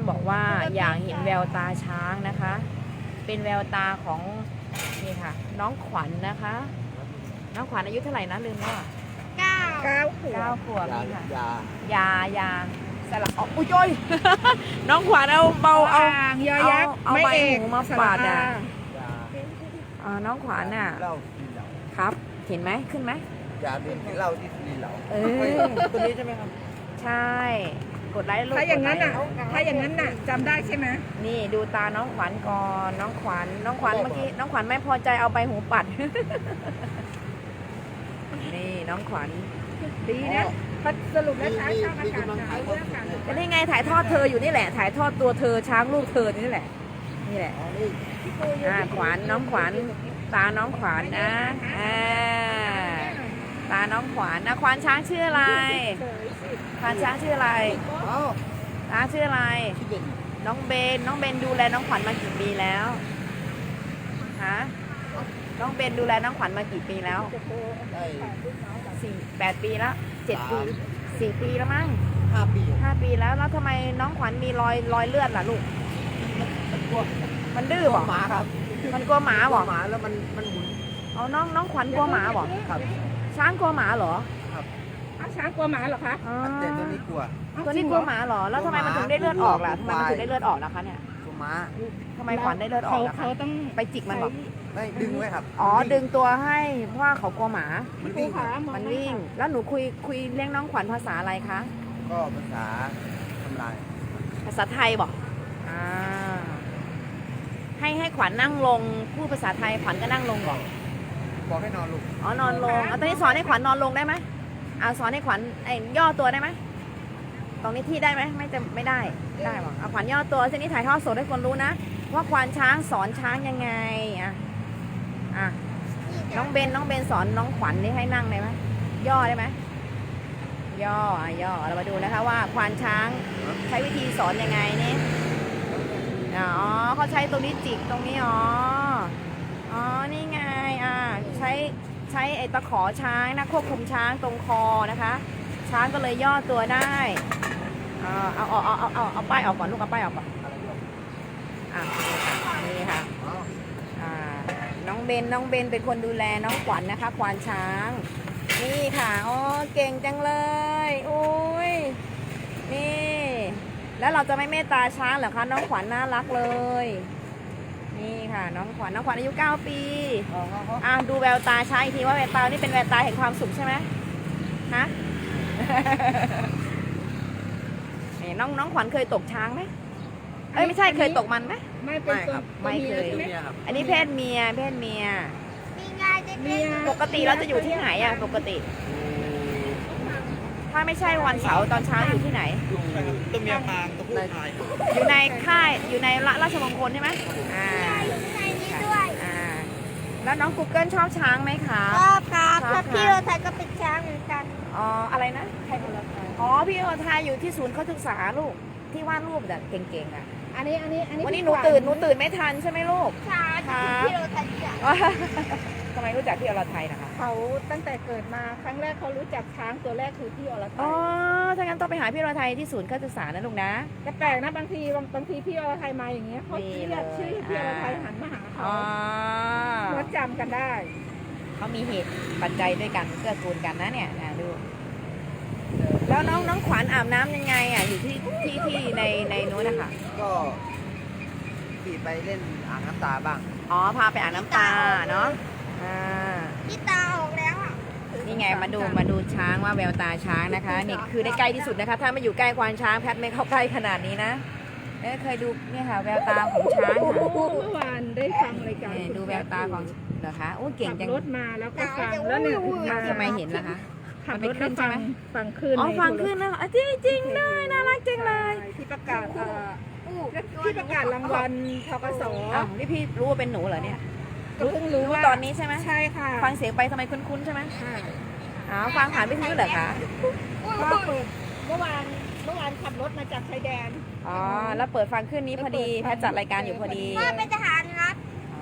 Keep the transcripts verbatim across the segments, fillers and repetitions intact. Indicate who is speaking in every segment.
Speaker 1: อนบอกว่าอยากเห็นแววตาช้างนะคะ เป็นแววตาของนี่ค่ะ น้องขวัญนนะคะ น้องขวัญอายุเท่าไหร่นะลืมแล้วอะ
Speaker 2: เก้า
Speaker 3: เก้าขว
Speaker 1: เก้า
Speaker 3: บ
Speaker 1: ขวบ
Speaker 4: ยา
Speaker 1: นี่ค่ะ
Speaker 4: ยาย
Speaker 1: ายาสลับออกอุ้ยโอ้ย น้องขวัญเอาเบาเอา
Speaker 3: อ่างยอยักษ์
Speaker 1: เอา
Speaker 3: ไม่
Speaker 1: ใบ
Speaker 3: เอก
Speaker 1: หูมาปาดอ่ะ
Speaker 3: สระ
Speaker 4: ยา
Speaker 1: อ่าน้องขวัญน่ะ
Speaker 4: เหล้าที่เหล้า
Speaker 1: ครับ เห็นไหมขึ้นไหม
Speaker 4: ยาดื่มกินเหล้าที่ที่เหล้า
Speaker 1: เออ
Speaker 4: ตัวนี้ใช่ไหมครับ
Speaker 1: ใช่ กดไลค์ลูก
Speaker 3: ถ้าอย่างนั้นน่ะ
Speaker 1: กดไลค์
Speaker 3: ถ้าอย่างนั้นน่ะจำได้ใช่ไหม
Speaker 1: นี่ดูตาน้องขวัญก่อนน้องขวัญน้องขวัญเมื่อกี้น้องขวัญไม่พอใจเอาใบหูปัด นี่น้องขวัญ
Speaker 3: ดีนะสรุปแล้วช้างชอบอากาศหนาวเรื่องการ
Speaker 1: ก็นี่ไงถ่ายทอดเธออยู่นี่แหละ ถ่ายทอดตัวเธอช้างลูกเธอนี่แหละ นี่แหละ
Speaker 4: อ๋อนี่
Speaker 1: อ่าขวัญน้องขวัญตาน้องขวัญนะอ่าตาน้องขวัญนะขวัญช้างชื่ออะไร
Speaker 3: เฉยสิ
Speaker 1: ขวัญช้างชื่ออะไร
Speaker 4: อ๋อ
Speaker 1: ช้างชื่ออะไร
Speaker 4: ที่เป็น
Speaker 1: น้องเบนน้องเบนดูแลน้องขวัญมากี่ปีแล้วฮะน้องเบนดูแลน้องขวัญมากี่ปีแล้ว
Speaker 4: ได้
Speaker 1: สี่แปดปีแล้วเจ็ดปีสี่ปีแล้วมั้ง
Speaker 4: ห้าปี
Speaker 1: ห้าปีแล้วแล้วทำไมน้องขวัญมีรอยรอยเลือดล่ะลูก
Speaker 4: กลัว
Speaker 1: มันดื้อบ่
Speaker 4: หมาครับ
Speaker 1: มันกลัวหมาบ่
Speaker 4: หมาแล้วมันมันหมุน
Speaker 1: เอาน้องน้องขวัญกลัวหมาบ่
Speaker 4: ครับ
Speaker 1: ช้างกลัวหมาเหรอ
Speaker 3: อ้าวช้างกลัวหมาเหรอคะ
Speaker 1: อ๋อ
Speaker 4: แต่ตัวนี้กลัว
Speaker 1: ตัวนี้กลัวหมาเหรอแล้วทำไมมันถึงได้เลือดออกล่ะทำไมมันถึงได้เลือดออกล่ะคะเนี่ย
Speaker 4: กลัวหมา
Speaker 1: ทำไมขวัญได้เลือดออ
Speaker 3: เขา
Speaker 1: กล่ะคะ
Speaker 3: เขาต้อง
Speaker 1: ไปจิกมันบอก
Speaker 4: ไม่ดึงไว้ครับ
Speaker 1: อ๋อดึงตัวให้เพราะว่าเขากลัวหมา
Speaker 4: มันวิ่งครับ
Speaker 1: มันวิ่ง แล้วหนูคุยคุยเลี้ยงน้องขวัญภาษาอะไรคะ
Speaker 4: ก็ภาษาทำลาย
Speaker 1: ภาษาไทยบอกอ่าให้ให้ขวัญนั่งลงพูดภาษาไทยขวัญก็นั่งลงบอก
Speaker 4: บอกให้นอนลูก
Speaker 1: อ๋อนอนลงเอาตอนนี้สอนให้ขวัญนอนลงได้ไหมเอาสอนให้ขวัญไอ้ย่อตัวได้ไหมตรงนี้ที่ได้ไหมไม่จะไม่ได้ได้บอกเอาขวัญย่อตัวทีนี้ถ่ายทอดสดให้คนรู้นะว่าควานช้างสอนช้างยังไงอ่ะอ่ะน้องเบนน้องเบนสอนน้องขวัญนี่ให้นั่งได้ไหมย่อได้ไหมย่ออ่ะย่อเรามาดูนะคะว่าควานช้างใช้วิธีสอนยังไงนี่อ๋อเขาใช้ตรงนี้จิกตรงนี้อ๋ออ๋อนี่ไงอ่ะใช้ใช้ไอ้ตะขอช้างนะควบคุมช้างตรงคอนะคะ ช้างก็เลยย่อตัวได้อ่าเอาเอาเอาเอาเอาเอาป้ายออกก่อนลูกเอาป้ายออกก่อนอ่ะนี่ค่ะ
Speaker 4: อ๋อ
Speaker 1: อ่าน้องเบนน้องเบนเป็นคนดูแลน้องขวัญนะคะควานช้าง นี่ค่ะอ๋อเก่งจังเลยโอ้ยนี่แล้วเราจะไม่เมตตาช้างเหรอคะน้องขวัญน่ารักเลย นี่ค่ะน้องขวัญน้องขวัญอายุเก้าปีอ่ะดูแววตาช้างอีกทีว่าแววตานี่เป็นแววตาแห่งความสุขใช่ไหมฮะ นี่น้องน้องขวัญเคยตกช้างไหมเอ้ยไม่ใช่เคยตกมันไหม
Speaker 3: ไม่เป็นตัว
Speaker 1: ไม่เคย
Speaker 3: ตัว
Speaker 4: ตัว
Speaker 3: เมีย
Speaker 4: เมียครับ
Speaker 1: อันนี้เพศเมียเพศเมีย
Speaker 2: มีไงเด็ก
Speaker 3: เมีย
Speaker 1: ปกติเราจะอยู่ที่ไหนอ่ะปกติ ถ้าไม่ใช่วันเสาร์ตอนเช้าอยู่ที่ไหน
Speaker 4: ตัวเมียพางตัวผู้พาย
Speaker 1: อยู่ในค่ายอยู่ในราชมงคลใช่ไหมอ่า
Speaker 2: อยู่ในนี้ด้วย
Speaker 1: อ่าแล้วน้อง Google ชอบช้างไหมคะ
Speaker 2: ชอบครับ
Speaker 1: ชอบครับ
Speaker 2: ถ้าพี่โรไทยก็เป็นช้างเหมือนกัน
Speaker 1: อ๋ออะไรนะใครคนละอ๋อพี่โอทายอยู่ที่ศูนย์เขาศึกษาลูกที่วาดรูปแบบเก่งๆอ่ะ
Speaker 3: อันนี้อันนี้อันนี้
Speaker 1: วันนี้หนูตื่นหนูตื่นไม่ทันใช่ไหมลูก
Speaker 2: ช้าง
Speaker 1: ครับ
Speaker 2: พี่โรไทยจ้ะ
Speaker 1: ทำไมรู้จักพี่อรไทยนะคะ
Speaker 3: เขาตั้งแต่เกิดมาครั้งแรกเขารู้จักช้างตัวแรกคือพี่อรไท
Speaker 1: อ๋อย ถ้างั้นต้องไปหาพี่อรไทยที่ศูนย์การศึกษานะลูกนะ
Speaker 3: แต่แปลกนะบางทีบางบางทีพี่อรไทยมาอย่างเงี้ยเขา
Speaker 1: นี่
Speaker 3: เรียก
Speaker 1: เลย
Speaker 3: ชื่อพี่อรไทย
Speaker 1: อ่า
Speaker 3: หันมาหาเขา
Speaker 1: อ๋อ
Speaker 3: เขาจำกันได้
Speaker 1: เขามีเหตุปัจจัยด้วยกันเกื้อกูลกันนะเนี่ยนะดู แล้วน้องน้องขวัญอาบน้ำยังไงอ่ะอยู่ที่ที่ที่ในในนู้นนะคะ
Speaker 4: ก็ขี่ไปเล่นอ่างน้ำตาบ้าง
Speaker 1: อ๋อพาไปอาบน้ำตาเนาะอ่า
Speaker 2: พี่ตาออกแล้วอ่ะ
Speaker 1: นี่ไงมาดูมาดูช้างว่าแววตาช้างนะคะนี่คือได้ใกล้ที่สุดนะคะ ถ้ามาอยู่ใกล้ควานช้างแพทย์ไม่เข้าใกล้ขนาดนี้นะเอ้ยเคยดูเนี่ยค่ะแววตาของช้างค่ะ
Speaker 3: เมื่อวานได้ฟังรายการ
Speaker 1: นี่ดูแววตาของเหรอคะโอ้เก่ง
Speaker 3: ขับ
Speaker 1: จัง
Speaker 3: รถมาแล้วก็ฟังแล้วเนี่ยถึงมา
Speaker 1: ทำไมเห็นล่ะคะ
Speaker 3: ขับ
Speaker 1: มัน
Speaker 3: ร
Speaker 1: ไป
Speaker 3: ถ
Speaker 1: ขึ้
Speaker 3: แล้ว
Speaker 1: นใช่
Speaker 3: ฟั
Speaker 1: ไหม
Speaker 3: งฟังขึ้น
Speaker 1: อ๋อ
Speaker 3: ใน
Speaker 1: ฟัง
Speaker 3: โทร
Speaker 1: ขึ้นแล้วอ่ะจริงจริงๆเลยน่ารักจังเลย
Speaker 3: ที่ประกาศเอ่อที่ประกาศรางวัลทกส
Speaker 1: อ้าวนี่พี่รู้ว่าเป็นหนูเหรอเนี่ย
Speaker 3: ก็เพิ่งรู้
Speaker 1: รู้
Speaker 3: ว่า
Speaker 1: ตอนนี้ใช่ไหม
Speaker 3: ใช่ค่ะ
Speaker 1: ฟังเสียงไปทำไมคุ้นๆใช่ไหม
Speaker 3: ค่ะ
Speaker 1: อ๋อฟังผ่านวิทยุเหรอคะ
Speaker 3: ก็เปิดเมื่อวานเมื่อวานขับรถมาจากชายแดน
Speaker 1: อ๋อแล้วเปิดฟังขึ้นนี้พอดีแพทย์จัดรายการอยู่พอดี
Speaker 2: พ่อเป็นทหารครับ
Speaker 1: อ๋อพ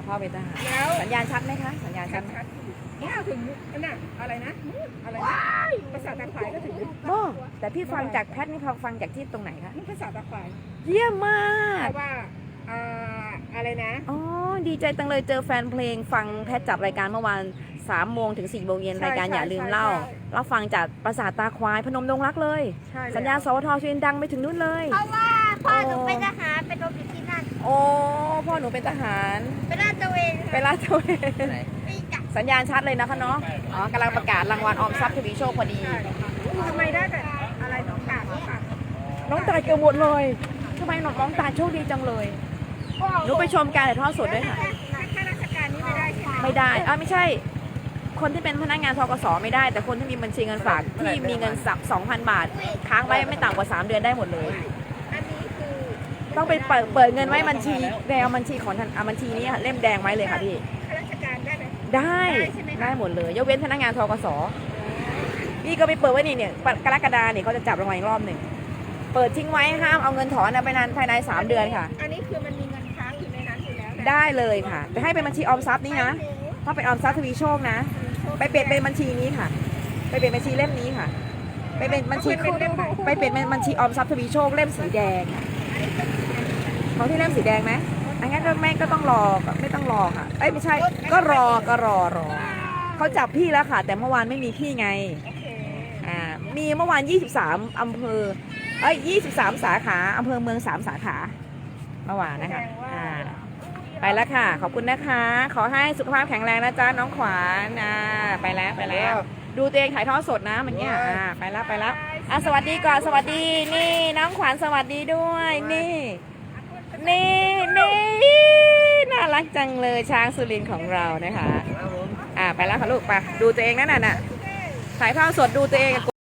Speaker 1: พ่อเป็นทหาร
Speaker 3: แล้ว
Speaker 1: สัญญาณชัดไหมคะสัญญาณชัดไหม
Speaker 3: ชัดๆอยู่เนี่ยถึงนั่นน่ะอะไรนะอะไรนะภาษาตะไคร้ก็ถึง
Speaker 1: โอ้แต่พี่ฟังจากแพทนี่เขาฟังจากที่ตรงไหนคะ
Speaker 3: นี่ภาษาตะไคร้
Speaker 1: เยี่ยมมาก
Speaker 3: เพราะว่าอ่าอะไรนะ
Speaker 1: อ๋อดีใจจังเลยเจอแฟนเพลงฟังแพทจัดรายการเมื่อวานสามโมงถึงสี่โมงเย็นรายการอย่าลืมเล่าเราฟังจากประสาทตาควายพนมดงรักเลย
Speaker 3: ใช่แล้ว
Speaker 1: สัญญาณสวทชดังไปถึงนู้นเลย
Speaker 2: เพราะว่าพ่อหนูเป็นทหารเป็นรบอยู่ที่นั่น
Speaker 1: โอ้พ่อหนูเป็นทหาร
Speaker 2: เป็นลาดตระเวน
Speaker 1: ไปลาดตระเวน
Speaker 4: ไหน
Speaker 2: ไม่จับ
Speaker 1: สัญญาณชัดเลยนะคะเนาะอ๋อกำลังประกาศรางวัลออมทรัพย์ทวีโชคพอดี
Speaker 3: ทำไมได้แต่อะไรสองกากหรือเปล่า
Speaker 1: น้องตายเกือบหมดเลยทำไมน้องน้องตายโชคดีจังเลยหนูไปชมการถ่ายทอดสดด้วยค่ะ
Speaker 3: ข้าราชการนี้ไม่ได้ใช่ไหม
Speaker 1: ไม่ได้อ่าไม่ใช่ คนที่เป็นพนักงานธกสไม่ได้ แต่คนที่มีบัญชีเงินฝากที่มีเงินสักสองพันบาท ค้างไว้ไม่ต่ำกว่าสามเดือนได้หมดเลย
Speaker 3: อันนี้คือ
Speaker 1: ต้องไปเปิดเปิดเงินไว้บัญชีแดงบัญชีของท่านอ่ะบัญชีนี้ค่ะเล่มแดงไว้เลยค่ะพี่
Speaker 3: ข้าราชการได้ไหม
Speaker 1: ได้
Speaker 3: ได้ใช่ไหมคะ
Speaker 1: ได้หมดเลยยกเว้นพนักงานธกสพี่ก็ไปเปิดไว้นี่เนี่ยกรกฎาเนี่ยเขาจะจับรางวัลอีกรอบหนึ่งเปิดทิ้งไว้ห้ามเอาเงินถอนนะไปนานภายในสามเดือนค่ะ
Speaker 3: อันนี้คือมันมีเงินค้างอยู่ในนั้นอยู่แล้วนะ
Speaker 1: ได้เลยค่ะแต่ให้เป็นบัญชีออมทรัพย์นี่นะถ้าเป็นออมทรัพย์ทวีโชคนะ ไปเปลี่ยนเป็นบัญชีนี้ค่ะ ไปเปลี่ยนบัญชีเล่มนี้ค่ะ ไปเป็นบัญชีไปเปลี่ยนเป็นบัญชีออมทรัพย์ทวีโชคเล่มสีแดงของที่เล่มสีแดงไหมอันงั้นก็ไม่ก็ต้องรอไม่ต้องรอค่ะเอ้ยไม่ใช่ ก็รอก็รอรอเขาจับพี่แล้วค่ะ แต่เมื่อวานไม่มีพี่ไง
Speaker 3: โอเค
Speaker 1: อ่ามีเมื่อวานยี่สิบสามอำเภอเอ้ยยี่สิบสามสาขาอำเภอเมืองสามสาขาเมื่อวานนะคะอ่า ไปแล้วค่ะ ขอบคุณนะคะ ขอให้สุขภาพแข็งแรงนะจ๊ะน้องขวานอ่าไปแล้วไปแล้ว ดูตัวเองถ่ายทอดสดนะเมันเนี้ยอ่าไปแล้วไปแล้วอ่ะสวัสดีก่อนสวัสดีนี่น้องขวานสวัสดีด้วยนี่นี่นี่น่ารักจังเลยช้างสุรินทร์ของเรานะคะ
Speaker 4: ครับผม
Speaker 1: อ่าไปแล้วค่ะลูกไปดูตัวเองนั่นน่ะถ่ายทอดสดดูตัวเอง